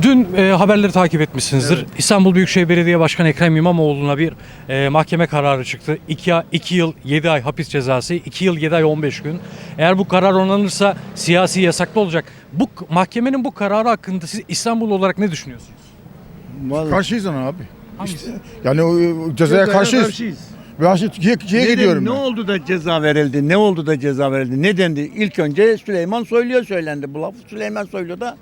Dün haberleri takip etmişsinizdir. Evet. İstanbul Büyükşehir Belediye Başkanı Ekrem İmamoğlu'na bir mahkeme kararı çıktı. 2 yıl 7 ay hapis cezası, 2 yıl 7 ay 15 gün. Eğer bu karar onanırsa siyasi yasaklı olacak. Bu mahkemenin bu kararı hakkında siz İstanbul olarak ne düşünüyorsunuz? Karşıyız ona abi. Hangisi? Yani o cezaya karşıyız. Ben şimdi Türkiye'ye gidiyorum Ne ben. oldu da ceza verildi? Ne oldu da ceza verildi? Ne dendi? İlk önce Süleyman Soylu'ya söylendi. Bu laf Süleyman Soylu da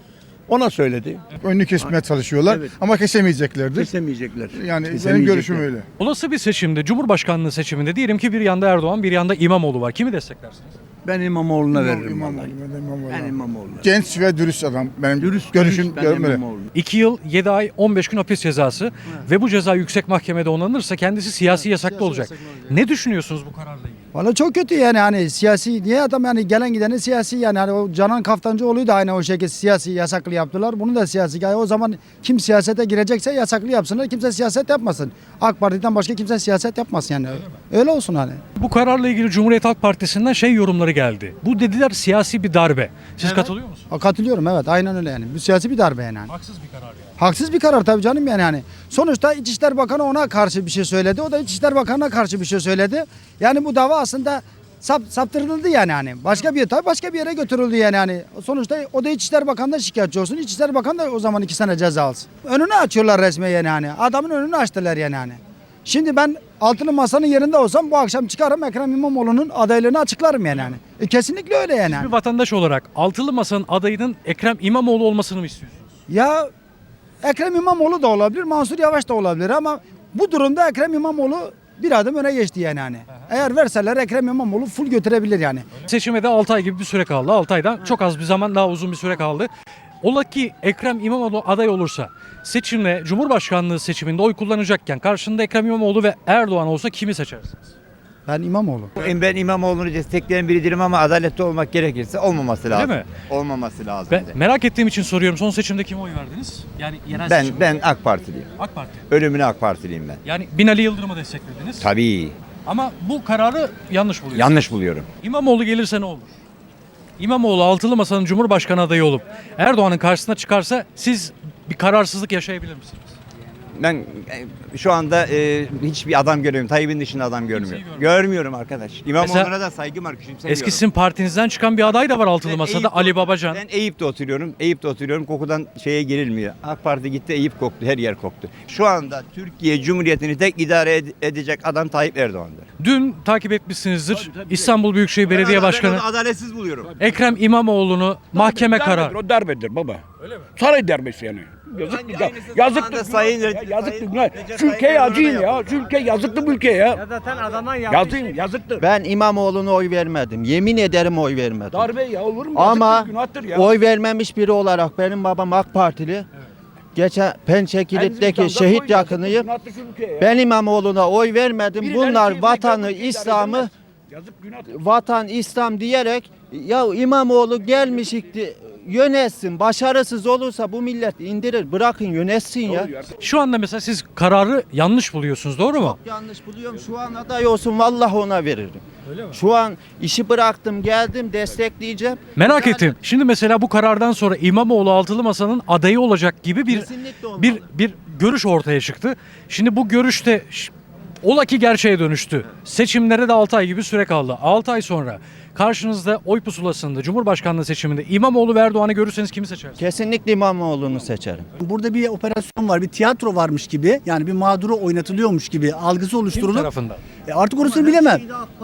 ona söyledi. Önünü kesmeye çalışıyorlar Evet. ama kesemeyeceklerdir. Kesemeyecekler. Yani benim görüşüm öyle. Olası bir seçimde, Cumhurbaşkanlığı seçiminde diyelim ki bir yanda Erdoğan, bir yanda İmamoğlu var. Kimi desteklersiniz? Ben İmamoğlu'na veririm İmamoğlu, vallahi. İmamoğlu. Ben İmamoğlu'na. Genç ve dürüst adam. Benim Dürüst görüşüm ben öyle. İmamoğlu'na. 2 yıl 7 ay 15 gün hapis cezası ve bu ceza yüksek mahkemede onanırsa kendisi siyasi yasaklı olacak. Ne düşünüyorsunuz bu kararla ilgili? Valla çok kötü yani hani siyasi niye adam yani gelen gideni siyasi yani hani o Canan Kaftancıoğlu'yu da aynı o şekilde siyasi yasaklı yaptılar. Bunu da siyasi. Yani o zaman kim siyasete girecekse yasaklı yapsınlar. Kimse siyaset yapmasın. AK Parti'den başka kimse siyaset yapmasın yani. Öyle olsun hani. Bu kararla ilgili Cumhuriyet Halk Partisi'nden yorumları geldi. Bu dediler siyasi bir darbe. Siz katılıyor musunuz? Katılıyorum evet aynen öyle yani. Bu siyasi bir darbe yani. Haksız bir karar yani. Haksız bir karar tabii canım yani hani. Sonuçta İçişleri Bakanı ona karşı bir şey söyledi. O da İçişleri Bakanı'na karşı bir şey söyledi. Yani bu dava aslında saptırıldı yani hani. Başka bir yere götürüldü yani hani. Sonuçta o da İçişleri Bakanı'ndan şikayetçi olsun. İçişleri Bakanı da o zaman 2 sene ceza alsın. Önünü açıyorlar resmen yani hani. Adamın önünü açtılar yani hani. Şimdi ben altılı masanın yerinde olsam bu akşam çıkarım Ekrem İmamoğlu'nun adaylığını açıklarım yani hani. Kesinlikle öyle yani. Bir vatandaş olarak Altılı Masa'nın adayının Ekrem İmamoğlu olmasını mı istiyorsunuz? Ya Ekrem İmamoğlu da olabilir, Mansur Yavaş da olabilir ama bu durumda Ekrem İmamoğlu bir adım öne geçti yani hani. Eğer verseler Ekrem İmamoğlu full götürebilir yani. Seçime de 6 ay gibi bir süre kaldı. 6 aydan çok az bir zaman, daha uzun bir süre kaldı. Ola ki Ekrem İmamoğlu aday olursa seçimle Cumhurbaşkanlığı seçiminde oy kullanacakken karşında Ekrem İmamoğlu ve Erdoğan olsa kimi seçersiniz? Ben İmamoğlu. Ben İmamoğlu'nu destekleyen biridirim ama adaletli olmak gerekirse olmaması lazım. Değil mi? Olmaması lazım. Ben merak ettiğim için soruyorum. Son seçimde kime oy verdiniz? Yani yerel Ben, seçimde. ben AK Partiliyim. AK Parti. Ölümüne AK Partiliyim ben. Yani Binali Yıldırım'ı desteklediniz. Tabii. Ama bu kararı yanlış buluyorsunuz. Yanlış buluyorum. İmamoğlu gelirse ne olur? İmamoğlu Altılı Masa'nın Cumhurbaşkanı adayı olup Erdoğan'ın karşısına çıkarsa siz bir kararsızlık yaşayabilir misiniz? Ben şu anda hiçbir adam göremiyorum. Tayyip'in dışında adam görmüyorum. Görmüyorum arkadaş. İmamoğlu'na da saygım var. Küçümsemiyorum. Eski sizin partinizden çıkan bir aday da var Altılı Ben Masa'da, Eyüp'te Ali oturuyorum. Babacan. Ben Eyüp'te oturuyorum. Kokudan şeye girilmiyor. AK Parti gitti, Eyüp koktu. Her yer koktu. Şu anda Türkiye Cumhuriyeti'ni tek idare edecek adam Tayyip Erdoğan'dır. Dün takip etmişsinizdir. İstanbul Büyükşehir Belediye Başkanı Ben onu adaletsiz buluyorum. Ekrem İmamoğlu'nu mahkeme kararı. O darbedir baba. Öyle mi? Saray darbesi yani. Yazıktır. Yazıktır. Şu ülkeye acıyın ya. Şu ülke yazıktır bu ülkeye ya. Zaten adamdan Yazıktır. Ben İmamoğlu'na oy vermedim. Yemin ederim oy vermedim. Darbe ya olur mu? Ama Yazıktır, günahtır ya. oy vermemiş biri olarak benim babam AK Partili. Geçen Pençekilit'teki şehit yakınıyım. Ben İmamoğlu'na oy vermedim. Bunlar vatanı, İslam'ı Yazık günahtır. vatan, İslam diyerek ya İmamoğlu gelmiş yönetsin. Başarısız olursa bu millet indirir. Bırakın yönetsin ya. Şu anda mesela siz kararı yanlış buluyorsunuz, doğru mu? Yanlış buluyorum. Şu an aday olsun vallahi ona veririm. Şu an işi bıraktım geldim destekleyeceğim. Merak Yani ettim. Şimdi mesela bu karardan sonra İmamoğlu Altılı Masa'nın adayı olacak gibi Kesinlikle olmalı. bir görüş ortaya çıktı. Şimdi bu görüşte ola ki gerçeğe dönüştü. Seçimlere de 6 ay gibi süre kaldı. 6 ay sonra karşınızda oy pusulasında Cumhurbaşkanlığı seçiminde İmamoğlu ve Erdoğan'ı görürseniz kimi seçersiniz? Kesinlikle İmamoğlu'nu seçerim. Burada bir operasyon var, bir tiyatro varmış gibi, yani bir mağduru oynatılıyormuş gibi algısı Kim oluşturulup tarafından? artık orasını bilemem.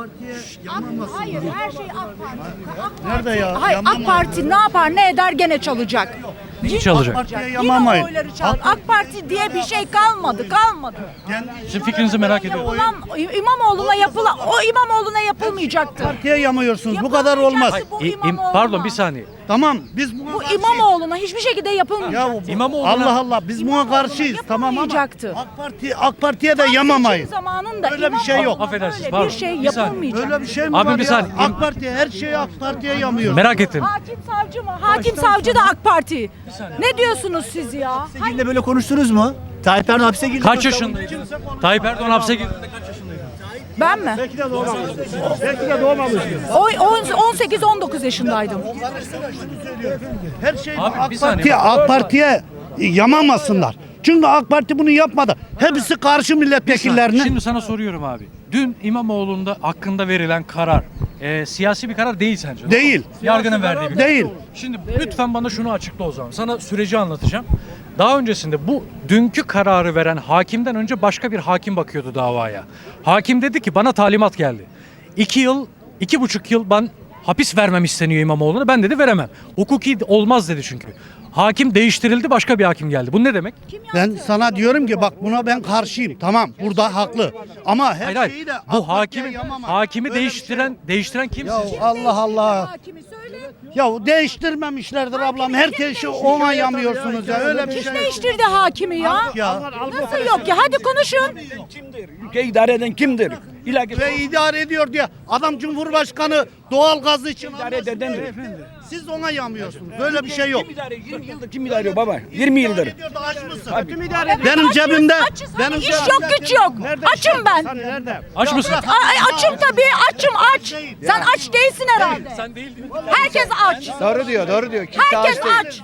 Hayır, her şey AK Parti. Nerede ya? Hayır, AK Parti ne yapar ne eder gene çalacak. Neyi çalacak? Yine oyları çal. AK Parti diye bir şey kalmadı. Sizin fikrinizi merak ediyorum. İmamoğlu'na yapılmayacaktı. Partiye yamıyorsunuz, bu kadar olmaz. Pardon bir saniye. Tamam, biz Bu İmamoğlu'na hiçbir şekilde yapılmayacaktı. İmamoğlu'na Allah Allah, biz buna karşıyız, tamam ama Yapılmayacaktı. AK Parti'ye de yamamayız. Seçim zamanında Öyle bir şey yok. Affedersiniz, Böyle pardon. bir şey Bir saniye. yapılmayacak. Öyle bir şey mi Abi var bir ya? saniye. AK Parti her şeyi AK Parti'ye yamıyor. Merak ettim. Hakim savcı mı? Hakim savcı da AK Parti. Ne diyorsunuz siz ya? Sizinle böyle konuştunuz mu? Tayyip Erdoğan hapse girdi. Kaç yaşındaydın? Tayyip Erdoğan hapse girdiğinde kaç yaşındaydın? Ben mi? Belki de doğmamışsınız. 18-19 yaşındaydım. Her şey Abi bir saniye. AK Parti'ye yamamasınlar. Çünkü AK Parti bunu yapmadı. Hepsi karşı milletvekillerine. Şimdi sana soruyorum abi. Dün İmamoğlu'nda hakkında verilen karar siyasi bir karar değil sence? Değil. Yargının verdiği bir Değil. karar. Şimdi lütfen bana şunu açıkla o zaman. Sana süreci anlatacağım. Daha öncesinde bu dünkü kararı veren hakimden önce başka bir hakim bakıyordu davaya. Hakim dedi ki bana talimat geldi. 2 yıl, 2,5 yıl ben hapis vermem isteniyor İmamoğlu'na. Ben dedi veremem. Hukuki olmaz dedi çünkü. Hakim değiştirildi, başka bir hakim geldi. Bu ne demek? Ben sana diyorum ki bak buna ben karşıyım. Tamam burada haklı. Ama her Hayır, şeyi de Bu AK Parti'ye yamama. hakimi Böyle bir şey yok. değiştiren kim Ya sizce? Allah Allah. Hakimi söyle. Ya değiştirmemişlerdir ablam. Herkesi ona yamıyorsunuz ya. Öyle bir Kim şey. değiştirdi hakimi ya? Ya. Nasıl yok ya? Hadi konuşun. Ülkeyi idare eden kimdir? İlahi Ve idare ediyor diye adam Cumhurbaşkanı doğal gazı için idare edendir. siz ona yamıyorsunuz. Böyle bir şey yok. Kim idare ediyor? 20 yıldır kim idare ediyor baba? 20 yıldır. Ediyor da aç mısın? Evet, Benim açız, cebimde açız. benim İş yok, güç yok. Açım ben. Aç mısın? Açım tabii, açım aç. Sen aç değilsin herhalde. Sen değil. Herkes aç. Doğru diyor. Herkes aç.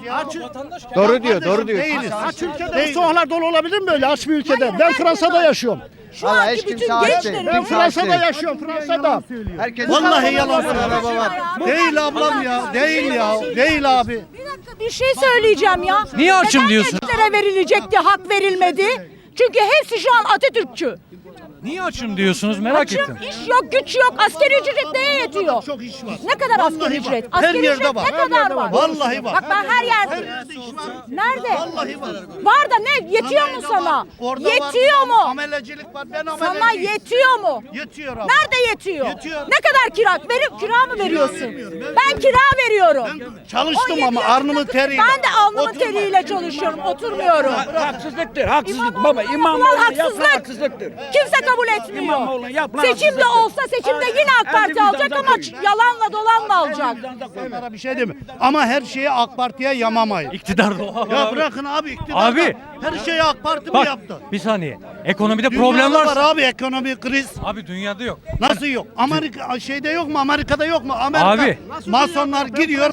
Doğru diyor. değiliz. Aç ülkede bu sokaklar dolu olabilir mi böyle aç bir ülkede? Ben Fransa'da yaşıyorum. Şu anki bütün gençlerin. Ben Fransa'da yaşıyorum, Fransa'da. Vallahi yalan söylüyor. Değil ablam ya. Değil ya. Değil abi. Bir dakika bir şey söyleyeceğim ya. Niye açım Neden diyorsun? gençlere verilecekti, hak verilmedi? Çünkü hepsi şu an Atatürkçü. Niye açım diyorsunuz merak Açım, ettim. iş yok, güç yok. Asgari ücret neye yetiyor? Çok iş var. Ne kadar Vallahi asgari var. ücret? Her Asgari yerde ücret var. ne kadar var? Vallahi var. Bak ben her yerde. Nerede? Vallahi var. Var da ne? Yetiyor mu sana? Orada Yetiyor var, mu? Amelecilik var. Ben Sana ameleciyim. yetiyor mu? Yetiyor abi. Nerede yetiyor? Yetiyor. Ne kadar kira mı veriyorsun? Ben kira veriyorum. Çalıştım 17 ama yaşında arnımın kız- teriyle. Ben de alnımın Oturma. teriyle çalışıyorum. Oturmuyorum. Haksızlıktır, haksızlık İmamoğlu'na baba. yapılan İmamoğlu yapılan haksızlık. haksızlıktır. Kimse kabul etmiyor. İmamoğlu'na yapılan Seçimde haksızlıktır. olsa seçimde yine AK Parti alacak ama yalanla dolanla alacak. Onlara bir şey demiyorum. Ama her şeyi AK Parti'ye yamamayın. İktidar doğal. Ya bırakın abi iktidar. Abi. Her şeyi AK Parti mi Bak yaptı? bir saniye. Ekonomide Dünyada problem var varsa. abi ekonomi kriz. Abi dünyada yok. Nasıl yok? Amerika şeyde yok mu? Amerika'da yok mu? Amerika Abi. masonlar gidiyor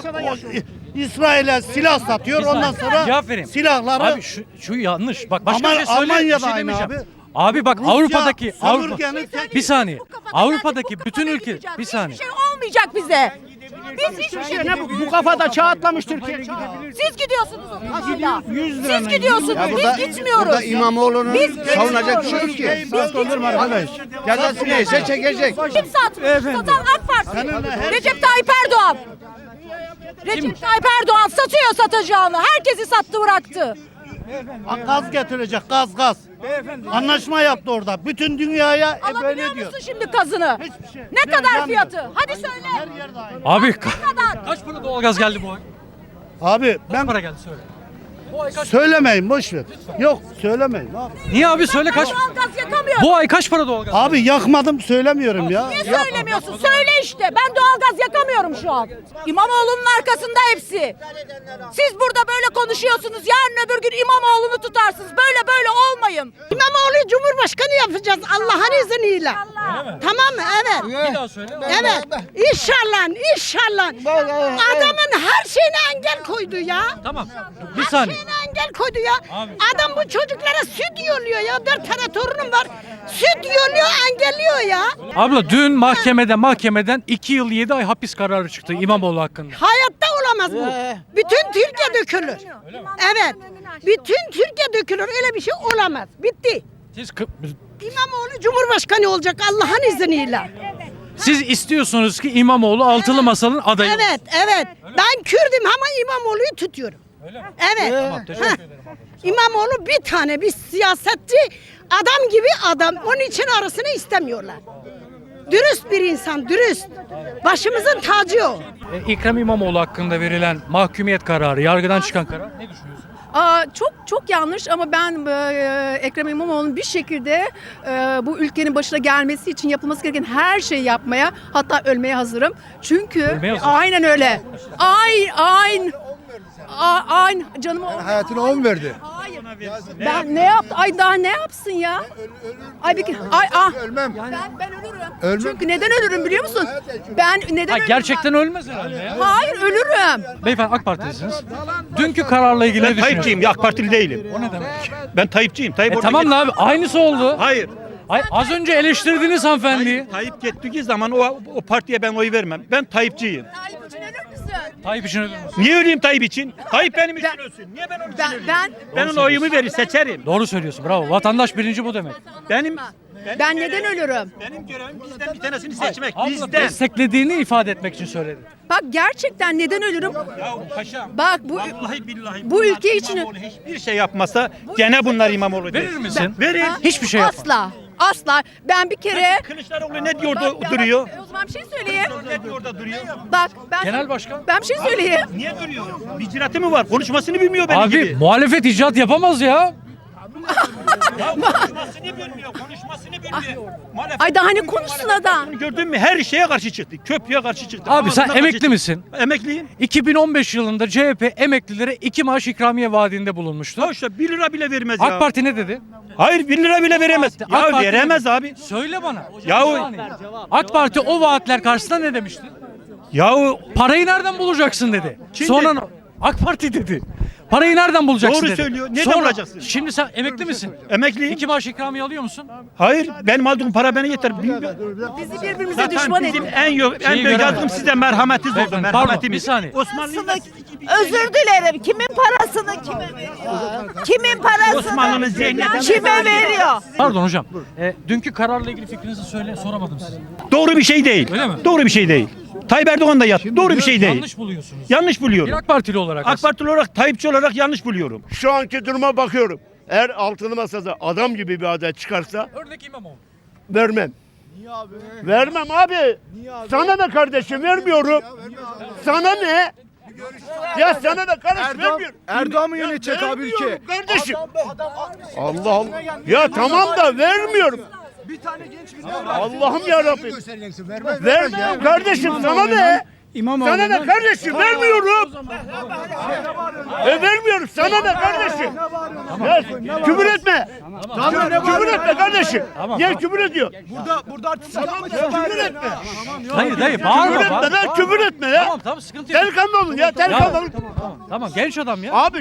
İsrail'e silah satıyor. Bir Ondan saniye. sonra Cevap vereyim. silahları Abi şu yanlış. Bak başka Ama bir şey söyle. Almanya'da bir şey aynı demeyeceğim. abi. Abi bak Rusya Avrupa'daki sömürgenin tek- bir saniye. Bu kafadan Avrupa'daki geldik, bu bütün kafada ülke gideceğiz. bir saniye. Hiçbir şey olmayacak bize. Biz hiçbir şey Bu kafada çağ atlamış Türkiye. Siz gidiyorsunuz o kafayla. 100 lira Siz gidiyorsunuz. Biz gitmiyoruz. Burada İmamoğlu'nun Biz savunacak bir gitmiyoruz. şey yok ki. Biz gitmiyoruz. Cezası neyse çekecek. Kim satmış? Satan AK Parti. Recep Tayyip Erdoğan. Recep Tayyip Erdoğan satıyor satacağını. Herkesi sattı bıraktı. gaz getirecek gaz. Anlaşma yaptı orada. Bütün dünyaya böyle Alabiliyor diyor. musun şimdi kazını? Hiçbir şey. Ne kadar Vermiyor. fiyatı? Hadi söyle. Her yerde aynı. Abi Ne kadar? kaç para doğalgaz geldi bu ay? Abi Kaç ben para geldi söyle. Bu ay kaç? söylemeyin boş ver. Yok söylemeyin. Abi. Niye abi söyle kaç? Ben doğalgaz yakamıyorum. Bu ay kaç para doğalgaz? Abi yakmadım söylemiyorum ya. Niye söylemiyorsun? Söyle işte. Ben doğalgaz yakamıyorum şu an. İmamoğlu'nun arkasında hepsi. Siz burada böyle konuşuyorsunuz. Yarın öbür gün İmamoğlu'nu tutarsınız. Böyle olmayın. İmamoğlu'yu Cumhurbaşkanı yapacağız Allah'ın izniyle. Tamam mı? Evet. Bir daha söyle. Evet. İnşallah. Adamın her şeyine engel koydu ya. Tamam. Bir saniye. Şeyine engel koydu ya. Abi. Adam bu çocuklara süt yolluyor ya. 4 tane torunum var. Süt yolluyor, engelliyor ya. Abla dün mahkemeden 2 yıl 7 ay hapis kararı çıktı İmamoğlu hakkında. Hayatta olamaz bu. Bütün Türkiye dökülür. Evet. Bütün Türkiye dökülür. Öyle bir şey olamaz. Bitti. İmamoğlu Cumhurbaşkanı olacak Allah'ın izniyle. Siz istiyorsunuz ki İmamoğlu altılı masanın adayı olsun. Evet. Ben Kürdüm ama İmamoğlu'yu tutuyorum. Evet. Tamam, teşekkür ederim. İmamoğlu bir tane bir siyasetçi adam gibi adam. Onun için arasını istemiyorlar. Dürüst bir insan, dürüst. Başımızın tacı o. Ekrem İmamoğlu hakkında verilen mahkumiyet kararı, yargıdan çıkan karar ne düşünüyorsun? Çok yanlış ama ben Ekrem İmamoğlu'nun bir şekilde bu ülkenin başına gelmesi için yapılması gereken her şeyi yapmaya, hatta ölmeye hazırım. Çünkü Ölmeye hazır. aynen öyle. Aynen canımı Hayatını on verdi. Hayır. Ben ne yaptı? Ay daha ne yapsın ya? Ay bir ay ah. Ölmem. Ben ölürüm. Ölmem. Çünkü neden ölürüm biliyor musun? Ben neden Ha, ölürüm? gerçekten ölmez herhalde ya. Hayır ölürüm. Beyefendi AK Partilisiniz. Dünkü kararla ilgili ne düşünüyorsunuz? Tayyipçiyim, AK Partili değilim. O ne demek? Ben Tayyipçiyim. Tayyip orada Tamam da abi aynısı oldu. Hayır. Ay, az önce eleştirdiniz hanımefendiyi. Tayyip gittiği zaman o partiye ben oy vermem. Ben Tayyipçiyim. Tayyip için ölür müsün? Tayyip için ölür müsün? Niye öleyim Tayyip için? Tayyip benim için Ben- ölsün. Niye ben onun için Ben öleyim? ben Ben onun oyumu verir, seçerim. Doğru söylüyorsun. Bravo. Vatandaş birinci bu demek. ben neden ölürüm? Benim görevim bizden bir tanesini seçmek. Abla Bizden. desteklediğini ifade etmek için söyledi. Bak gerçekten neden ölürüm? Ya paşam. Bak bu Vallahi billahi. bu bunlar ülke için- İmamoğlu hiçbir şey yapmasa gene bunlar İmamoğlu der. Verir misin? Verir. Hiçbir şey yapma. asla ben bir kere Kılıçdaroğlu ne diyor Bak, da duruyor? O zaman bir şey söyleyeyim. Ne diyor da duruyor? Bak ben Genel başkan. ben bir şey söyleyeyim. Niye duruyor? Bir icraatı mı var? Konuşmasını bilmiyor benim Abi gibi. muhalefet icraat yapamaz ya. Ya konuşmasını bilmiyor, konuşmasını bilmiyor. Muhalefet- Ay daha ne konuşsun adam? Gördün mü? Her şeye karşı çıktı. Köprüye karşı çıktı. Abi sen Ağzına karşı emekli çıktı. misin? Emekliyim. 2015 yılında CHP emeklilere 2 maaş ikramiye vaadinde bulunmuştu. Hoşça 1 lira bile vermez ya. AK Parti ne dedi? Hayır 1 lira bile veremez. AK Ya Parti veremez ne dedi? abi. Söyle bana. Ya o- AK Parti o vaatler karşısında ne demişti? Yahu Parayı nereden bulacaksın dedi. Kim Sonra dedi? AK Parti dedi. Parayı nereden bulacaksın Doğru dedi. söylüyor. Nereden bulacaksın? Şimdi sen emekli misin? emekliyim. 2 maaş ikramiye alıyor musun? Hayır benim aldığım para bana yeter. Bizi birbirimize Zaten düşman bizim edin. en büyük göremez. yardım size merhametiniz oldu. Beyefendi, pardon, Merhametimiz. bir saniye. Osmanlı'nın Özür dilerim. Kimin parasını kime veriyor? Kimin parasını Osmanlı'nın zihniyetini kime veriyor? Pardon hocam. Dünkü kararla ilgili fikrinizi soramadım size. doğru bir şey değil. Öyle mi? Doğru bir şey değil. Tayyip Erdoğan da yattı. Doğru bir şey değil. Yanlış buluyorsunuz. Yanlış Bir buluyorum. AK Partili olarak. AK Partili olarak, Tayyipçi olarak yanlış buluyorum. Şu anki duruma bakıyorum. Eğer altılı masada adam gibi bir aday çıkarsa Örnek İmamoğlu. vermem. Vermem abi. Sana ne kardeşim vermiyorum. Sana ne? Ya sana da karış vermiyorum. Erdoğan mı Ya yönetecek abi ülke? vermiyorum kardeşim. Allah Allah. Ya tamam da vermiyorum. Allah'ım ya Rabbim. Vermiyorum kardeşim sana ne? Sana ne kardeşim vermiyorum. Vermiyorum sana ne kardeşim? Ya, küfür etme. Küfür etme kardeşim. Niye küfür ediyor? Burada artist Küfür etme. Hayır dayı Küfür bağırma. etme lan küfür etme ya. Tamam sıkıntı yok. Delikanlı olun ya delikanlı olun. Tamam genç adam ya. Abi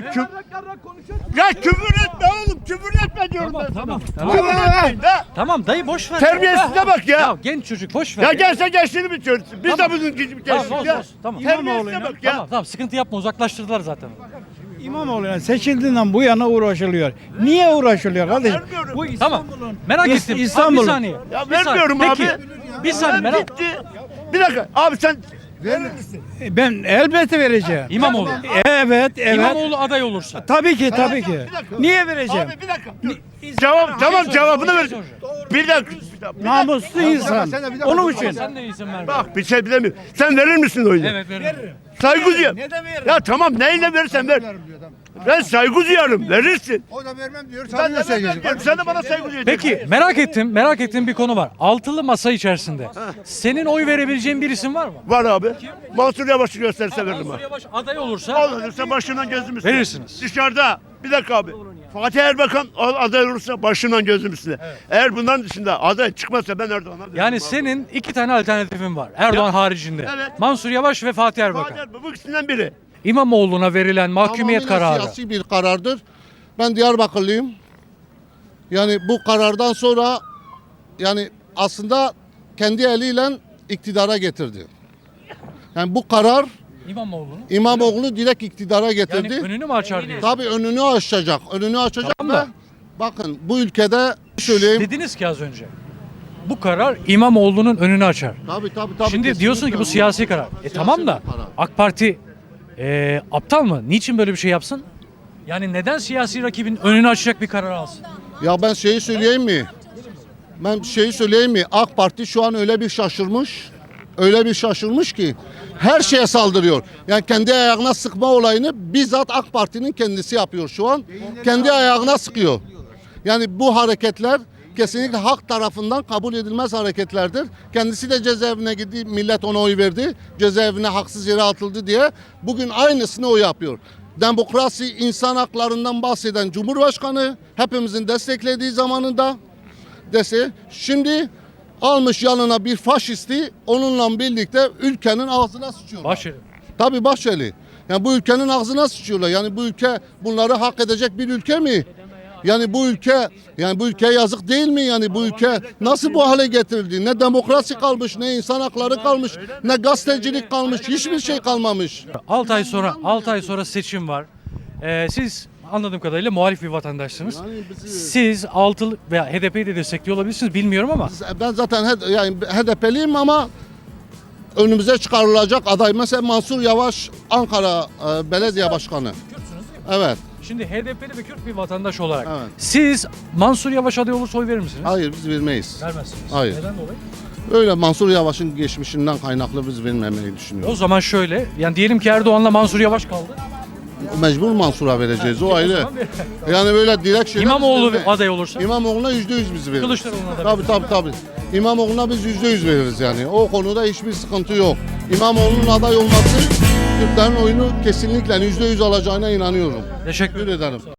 ya küfür etme oğlum küfür etme diyorum ben sana. Küfür etmeyin de. Tamam dayı boş ver. Terbiyesize bak ya. Ya genç çocuk boş ver. Ya gelse gençliğini bitiriyoruz. Biz de bizim gibi Tamam gençlik olsun ya. olsun. Tamam. Terbiyesize bak ya. Tamam sıkıntı yapma uzaklaştırdılar zaten. İmamoğlu'na seçildiğinden bu yana uğraşılıyor. Niye uğraşılıyor kardeşim? Vermiyorum. Bu Tamam. Merak ettim. İstanbul'un. Abi, bir saniye. Ya Bir saniye. vermiyorum Peki, abi. Bir saniye merak. Bitti. Bir dakika abi sen verir misin? Ben elbette vereceğim. İmamoğlu. Evet, evet. İmamoğlu aday olursa. Tabii ki, tabii ki. Bir dakika. Niye vereceğim? Abi bir dakika. Dur. Tamam cevabını ver. Bir dakika. Namuslu insan. Onun için. Sen de iyisin ver. Bak bir şey bilemiyorum. Sen verir misin oyunu? Evet veririm. Saygı duyuyorum. Ya tamam neyle verirsen ver. Ben saygı duyarım. Verirsin. O da vermem diyor. Sen de saygı duyuyorsun. Sen de bana saygı duyacaksın. Peki merak ettiğim bir konu var. Altılı masa içerisinde. Senin oy verebileceğin bir isim var mı? Var abi. Mansur Yavaş'ı gösterse veririm Mansur abi. Yavaş aday olursa Olursa başından gözüm üstüne. Verirsiniz. Dışarıda. Bir dakika abi. Fatih Erbakan aday olursa başından gözüm üstüne. Eğer bundan dışında aday çıkmazsa ben Erdoğan'a veririm yani abi. senin 2 tane alternatifin var. Erdoğan haricinde. Evet. Mansur Yavaş ve Fatih Erbakan. Fatih Erbakan bu ikisinden biri. İmamoğlu'na verilen mahkumiyet kararı. Siyasi bir karardır. Ben Diyarbakırlıyım. Yani bu karardan sonra yani aslında kendi eliyle iktidara getirdi. Yani bu karar İmamoğlu'nu. İmamoğlu'nu direkt iktidara getirdi. Yani önünü mü açar diye. Tabii önünü açacak. Önünü açacak Tamam ve da. bakın bu ülkede söyleyeyim. Dediniz ki az önce. Bu karar İmamoğlu'nun önünü açar. Tabii. Şimdi diyorsun ki bu kesinlikle. siyasi karar. Tamam da bir karar. AK Parti aptal mı? Niçin böyle bir şey yapsın? Yani neden siyasi rakibin önünü açacak bir karar alsın? Ya ben şeyi söyleyeyim mi? AK Parti şu an öyle bir şaşırmış. Öyle bir şaşırmış ki her şeye saldırıyor. Yani kendi ayağına sıkma olayını bizzat AK Parti'nin kendisi yapıyor şu an. Kendi ayağına sıkıyor. Yani bu hareketler kesinlikle halk tarafından kabul edilmez hareketlerdir. Kendisi de cezaevine gitti, millet ona oy verdi. Cezaevine haksız yere atıldı diye bugün aynısını o yapıyor. demokrasi, insan haklarından bahseden Cumhurbaşkanı hepimizin desteklediği zamanında şimdi almış yanına bir faşisti onunla birlikte ülkenin ağzına sıçıyorlar. Bahçeli. Tabii Bahçeli. Yani bu ülkenin ağzına sıçıyorlar. Yani bu ülke bunları hak edecek bir ülke mi? Yani bu ülkeye yazık değil mi? Yani bu ülke nasıl bu hale getirildi? Ne demokrasi kalmış, ne insan hakları kalmış, ne gazetecilik kalmış, hiçbir şey kalmamış. 6 ay sonra seçim var. Siz anladığım kadarıyla muhalif bir vatandaşsınız. Siz altılı veya HDP'yi de destekliyor olabilirsiniz bilmiyorum ama Ben zaten yani HDP'liyim ama önümüze çıkarılacak aday mesela Mansur Yavaş Ankara Belediye Başkanı. Evet. şimdi HDP'li ve Kürt bir vatandaş olarak Evet. siz Mansur Yavaş aday olursa oy verir misiniz? Hayır biz vermeyiz. Vermezsiniz. Hayır. Neden dolayı? Öyle Mansur Yavaş'ın geçmişinden kaynaklı biz vermemeyi O düşünüyoruz. zaman şöyle, yani diyelim ki Erdoğan'la Mansur Yavaş kaldı. Mecbur Mansur'a vereceğiz o O ayrı. zaman bir- Yani böyle direkt şeyler İmamoğlu biz vermeyiz. aday olursa İmamoğlu'na %100 biz veririz. Kılıçdaroğlu'na da Tabii. İmamoğlu'na biz %100 veririz yani. O konuda hiçbir sıkıntı yok. İmamoğlu'nun aday olması Kürtlerin oyunu kesinlikle %100 alacağına inanıyorum. Teşekkür Teşekkür ederim.